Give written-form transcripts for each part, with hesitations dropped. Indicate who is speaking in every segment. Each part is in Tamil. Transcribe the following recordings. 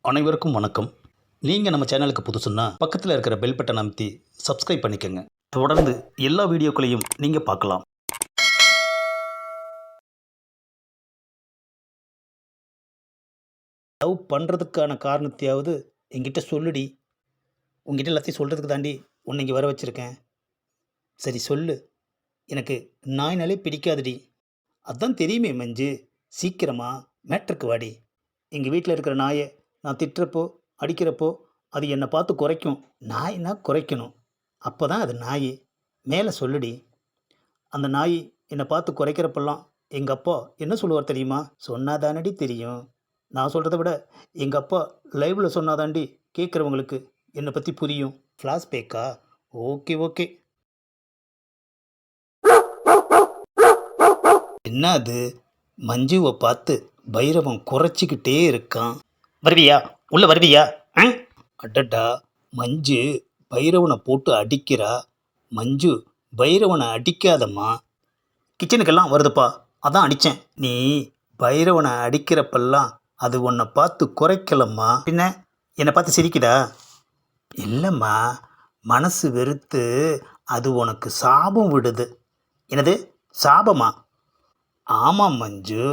Speaker 1: அனைவருக்கும் வணக்கம். நீங்கள் நம்ம சேனலுக்கு புதுசுன்னா பக்கத்தில் இருக்கிற பெல் பட்டனை அமைத்தி சப்ஸ்கிரைப் பண்ணிக்கோங்க. தொடர்ந்து எல்லா வீடியோக்களையும் நீங்கள் பார்க்கலாம். லவ் பண்ணுறதுக்கான காரணத்தையாவது என்கிட்ட சொல்லுடி. உங்ககிட்ட எல்லாத்தையும் சொல்கிறதுக்கு தாண்டி உன்னை இங்கே வர வச்சுருக்கேன். சரி சொல்லு. எனக்கு நாய்னாலே பிடிக்காதுடி. அதான் தெரியுமே மஞ்சு. சீக்கிரமா மேட்ருக்கு வாடி. எங்கள் வீட்டில் இருக்கிற நாயை நான் திட்டுறப்போ அடிக்கிறப்போ அது என்னை பார்த்து குறைக்கும். நாய்னா குறைக்கணும். அப்போ தான் அது நாய். மேலே சொல்லுடி. அந்த நாய் என்னை பார்த்து குறைக்கிறப்பெல்லாம் எங்கள் அப்பா என்ன சொல்லுவார் தெரியுமா? சொன்னாதானடி தெரியும். நான் சொல்கிறத விட எங்கள் அப்பா லைவில் சொன்னாதாண்டி கேட்குறவங்களுக்கு என்னை பற்றி புரியும். ஃப்ளாஷ்பேக்கா? Okay okay. என்ன அது? மஞ்சுவை பார்த்து பைரவன் குறைச்சிக்கிட்டே இருக்கான். வருவியா? உள்ள வருவியா? அடடா, மஞ்சு பைரவனை போட்டு அடிக்கிறா. மஞ்சு பைரவனை அடிக்காதம்மா. கிச்சனுக்கெல்லாம் வருதுப்பா, அதான் அடித்தேன். நீ பைரவனை அடிக்கிறப்பெல்லாம் அது உன்னை பார்த்து குறைக்கலம்மா. பின்ன என்னை பார்த்து சிரிக்குதா? இல்லைம்மா, மனசு வெறுத்து அது உனக்கு சாபம் விடுது. என்னது சாபமா? ஆமாம் மஞ்சு.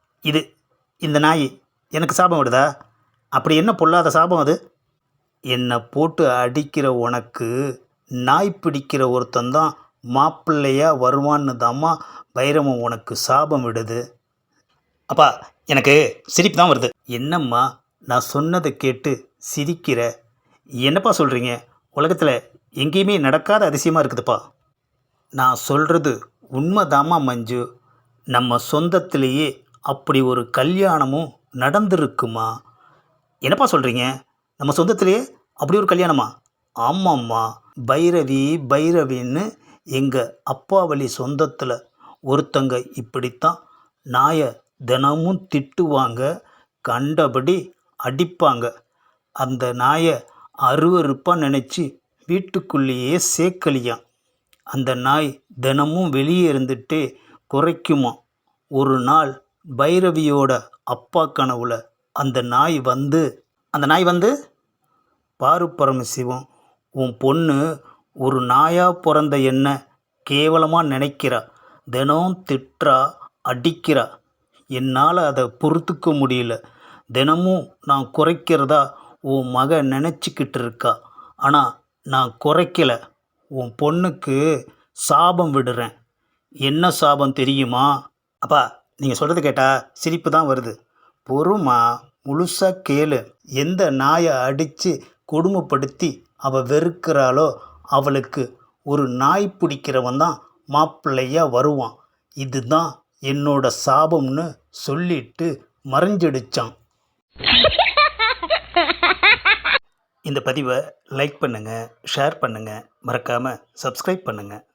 Speaker 1: இந்த நாய் எனக்கு சாபம் விடுதா? அப்படி என்ன பொல்லாத சாபம் அது? என்னை போட்டு அடிக்கிற உனக்கு நாய் பிடிக்கிற ஒருத்தந்தான் மாப்பிள்ளையாக வருவான்னு தாம்மா பைரவன் உனக்கு சாபம் விடுது. அப்பா, எனக்கு சிரிப்பு தான் வருது. என்னம்மா நான் சொன்னதை கேட்டு சிரிக்கிற? என்னப்பா சொல்கிறீங்க? உலகத்தில் எங்கேயுமே நடக்காத அதிசயமாக இருக்குதுப்பா. நான் சொல்கிறது உண்மைதாம்மா மஞ்சு. நம்ம சொந்தத்திலேயே அப்படி ஒரு கல்யாணமும் நடந்திருக்குமா? என்னப்பா சொல்கிறீங்க? நம்ம சொந்தத்திலேயே அப்படி ஒரு கல்யாணமா? ஆமாம்மா. பைரவி பைரவின்னு எங்கள் அப்பா வழி சொந்தத்தில் ஒருத்தங்க இப்படித்தான் நாயை தினமும் திட்டுவாங்க, கண்டபடி அடிப்பாங்க. அந்த நாயை அருவருப்பாக நினச்சி வீட்டுக்குள்ளேயே சேர்க்கலியாம். அந்த நாய் தினமும் வெளியே இருந்துட்டு குறைக்குமா. ஒரு நாள் பைரவியோட அப்பா கனவுல அந்த நாய் வந்து பாரு பரமசிவம், உன் பொண்ணு ஒரு நாயாக பிறந்த என்ன கேவலமாக நினைக்கிறா. தினம் திட்டுறா, அடிக்கிறா. என்னால் அதை பொறுத்துக்க முடியல. தினமும் நான் குறைக்கிறதா உன் மக நினச்சிக்கிட்டு இருக்கா. ஆனால் நான் குறைக்கல. உன் பொண்ணுக்கு சாபம் விடுறேன். என்ன சாபம் தெரியுமா? அப்பா, நீங்கள் சொல்கிறது கேட்டால் சிரிப்பு தான் வருது. பொறுமா, முழுசாக கேளு. எந்த நாயை அடித்து கொடுமைப்படுத்தி அவள் வெறுக்கிறாளோ அவளுக்கு ஒரு நாய் பிடிக்கிறவன் தான் மாப்பிள்ளையாக வருவான். இதுதான் என்னோட சாபம்னு சொல்லிட்டு மறைஞ்சிடுச்சான். இந்த பதிவை லைக் பண்ணுங்கள், ஷேர் பண்ணுங்கள், மறக்காமல் சப்ஸ்கிரைப் பண்ணுங்கள்.